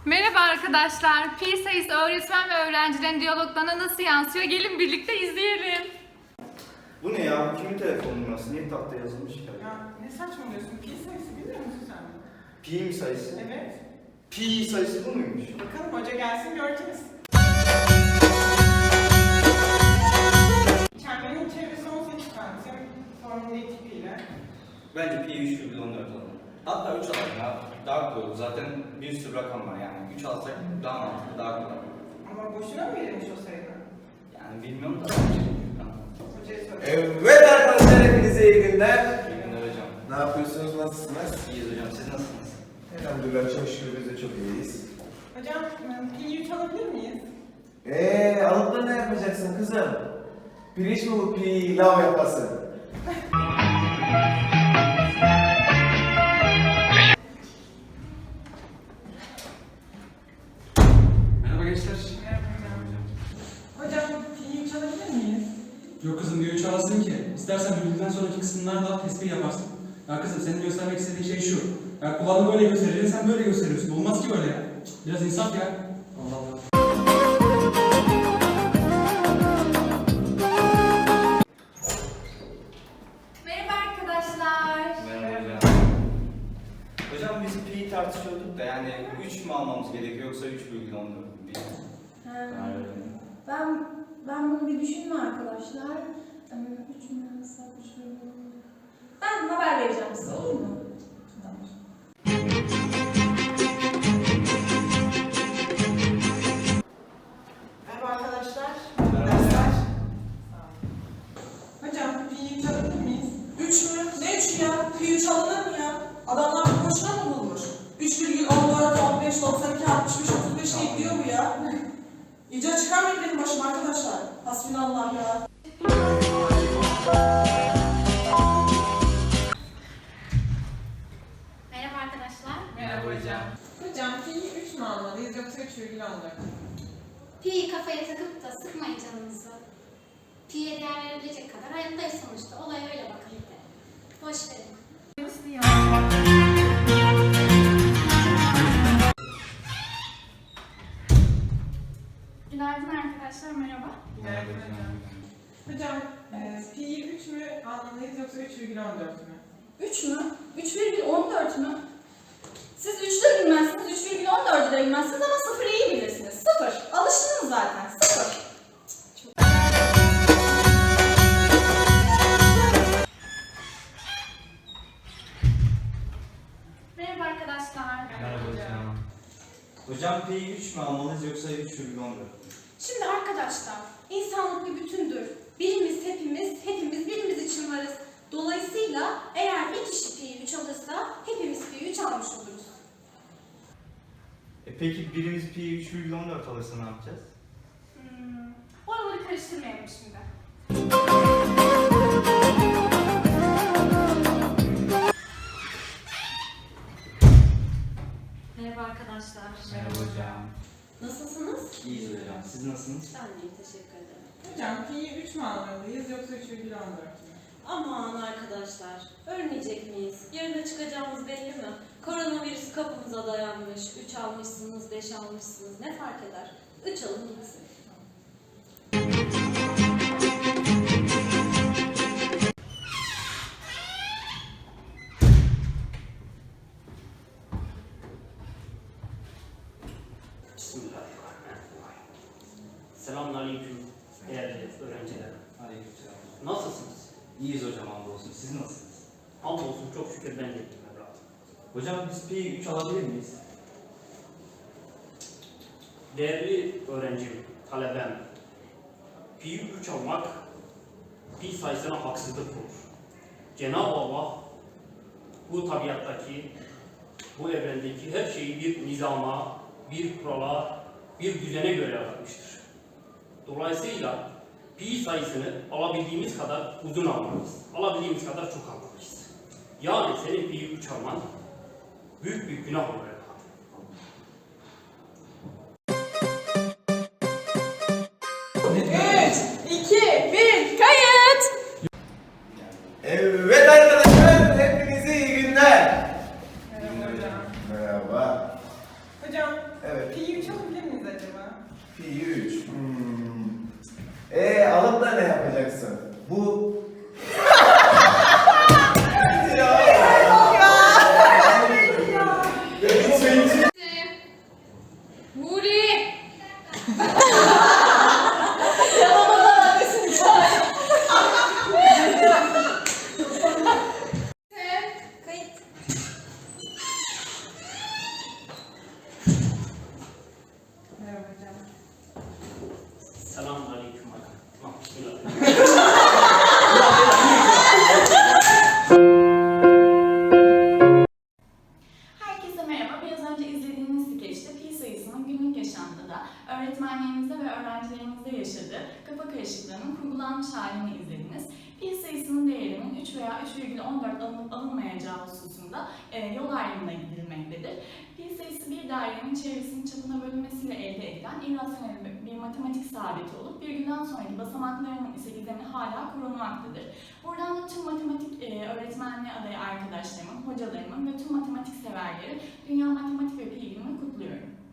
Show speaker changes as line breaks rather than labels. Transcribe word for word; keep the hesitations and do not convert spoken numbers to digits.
Merhaba arkadaşlar. Pi sayısı öğretmen ve öğrencilerin diyaloglarına nasıl yansıyor? Gelin birlikte izleyelim.
Bu ne ya? Kimin telefonu numarası? Niye tahta yazılmış ki?
Ya ne saçmalıyorsun? Pi sayısı biliyor musun sen?
Pi mi sayısı?
Evet.
Pi sayısı bu muymuş?
Bakalım hoca gelsin göreceğiz. Çemberin çevresi on sekiz santim. Formülü tipiyle.
Bence pi üç virgül on dört alalım. Hatta üç alalım ya. Daha kolay. Zaten bir sürü rakam var yani. üç alsak daha mantıklı, daha kolay.
Ama boşuna mı verilmiş o sayının?
Yani bilmiyorum da.
Hocaya sorayım.
Evet arkadaşlar, hepinize iyi günler.
İyi günler hocam.
Ne yapıyorsunuz, nasılsınız?
İyiyiz hocam. Siz nasılsınız?
Elhamdülillah, çok şükür biz de çok iyiyiz.
Hocam Pi'yi üç alabilir miyiz?
Eee alıp da ne yapacaksın kızım? Pirinç mi bu pilav yapasın?
Merhaba gençler.
Merhaba hocam. Hocam Pi'yi üç alabilir miyiz?
Yok kızım diyor üç alasın ki. İstersen bölümden sonraki kısımlarda tespih yaparsın. Ya kızım senin göstermek istediğin şey şu. Ya kulağını böyle göstereceksin, sen böyle gösteriyorsun. Olmaz ki böyle ya. Biraz insaf ya. Allah Allah.
Merhaba arkadaşlar.
Merhaba hocam. Hocam biz pi tartışıyorduk da yani üç mü almamız gerekiyor yoksa üç virgül on dört mü?
Ha,
Karar verelim.
Ben ben bunu bir düşünme arkadaşlar. Ee, Üç mü alsak, üç mü? Ben haber vereceğim size, olur mu? Tamam.
Merhaba arkadaşlar.
Merhaba.
Dersler. Hocam Pi'yi üç alabilir miyiz?
Üç mü? Ne üç ya? Pi üç alınır mı ya? Adamlar bu boşuna mı bulmuş? üç virgül on dört, on beş, doksan iki, altmış beş, otuz beş diye gidiyor bu ya. İyice çıkarmayın benim başıma arkadaşlar. Hasbinallah ya.
Merhaba arkadaşlar.
Merhaba hocam. Hocam Pi'yi üç mü almalıyız yoksa üç virgül on dört mü?
Pi'yi kafaya takıp da sıkmayın canınızı. Pi'ye değer verebilecek kadar hayattayız sonuçta. Olaya öyle bakın bir de. Boş verin.
Günaydın arkadaşlar. Merhaba.
Merhaba hocam. Hocam e, Pi'yi üç mü almalıyız yoksa üç virgül on dört mü?
Üç mü? Üç virgül on dört mü? Siz üçü de bilmezsiniz, üç virgül on dördü de bilmezsiniz ama sıfırı iyi bilirsiniz. Sıfır. Alıştınız zaten. Sıfır.
Merhaba arkadaşlar.
Merhaba hocam. Hocam pi üç mü almalıyız yoksa üç virgül on dört mü?
Şimdi arkadaşlar, insanlık bir bütündür. Birimiz hepimiz, hepimiz birimiz için varız. Dolayısıyla eğer bir kişi Pi'yi üç alırsa hepimiz Pi'yi üç almış oluruz.
E peki birimiz pi üç virgül on dört alırsa ne yapacağız?
Hmm, oraları karıştırmayalım şimdi.
Merhaba arkadaşlar.
Merhaba hocam.
Nasılsınız?
İyiyiz hocam. Siz nasılsınız?
Ben de teşekkür ederim.
Hocam Pi'yi üç mü almalıyız yoksa üç virgül on dört mü?
Aman arkadaşlar, ölmeyecek miyiz? Yarına çıkacağımız belli mi? Koronavirüs kapımıza dayanmış, üç almışsınız, beş almışsınız, ne fark eder? üç alın gitsin.
Bismillahirrahmanirrahim. Selamünaleyküm değerli öğrenciler.
Aleykümselam.
Nasılsınız?
İyiyiz hocam hamdolsun. Siz nasılsınız?
Hamdolsun çok şükür ben de iyiyim evladım.
Hocam biz pi üç alabilir miyiz?
Değerli öğrencim, talebem, Pi'yi üç almak pi sayısına haksızlık olur. Cenab-ı Allah bu tabiattaki, bu evrendeki her şeyi bir nizama, bir kurala, bir düzene göre yaratmıştır. Dolayısıyla pi sayısını alabildiğimiz kadar uzun almalıyız. Alabildiğimiz kadar çok almalıyız. Yani senin pi'yi üç alman büyük bir günah olur.
Üç, iki, bir, kayıt!
Evet arkadaşlar, hepinize iyi günler.
Merhaba hocam.
Merhaba.
Hocam
Evet. Pi üç. Hmm. Ee, alıp da ne yapacaksın? Bu... ya.
Huri!
Kayıt.
Merhaba hocam.
Selamünaleyküm. Tamam, bismillah.
Herkese merhaba. Biraz önce izlediğiniz skeçte pi sayısının günlük yaşantıda öğretmenlerimizde ve öğrencilerimizde yaşadığı kafa karışıklığının kurgulanmış halini izlediniz. Pi sayısının değerinin üç veya üç virgül on dört alınıp alınmayacağı hususunda e, yol ayrımına gidilmektedir. Pi sayısı bir dairenin çevresinin çapına bölünmesiyle elde edilen irrasyonel bir matematik sabiti olup virgülden sonraki basamaklarının ise gizemi hala korunmaktadır. Buradan da tüm matematik e, öğretmenliği adayı arkadaşlarımın, hocalarımın ve tüm matematik severleri Dünya Matematik ve Pi Günü'nü kutluyorum.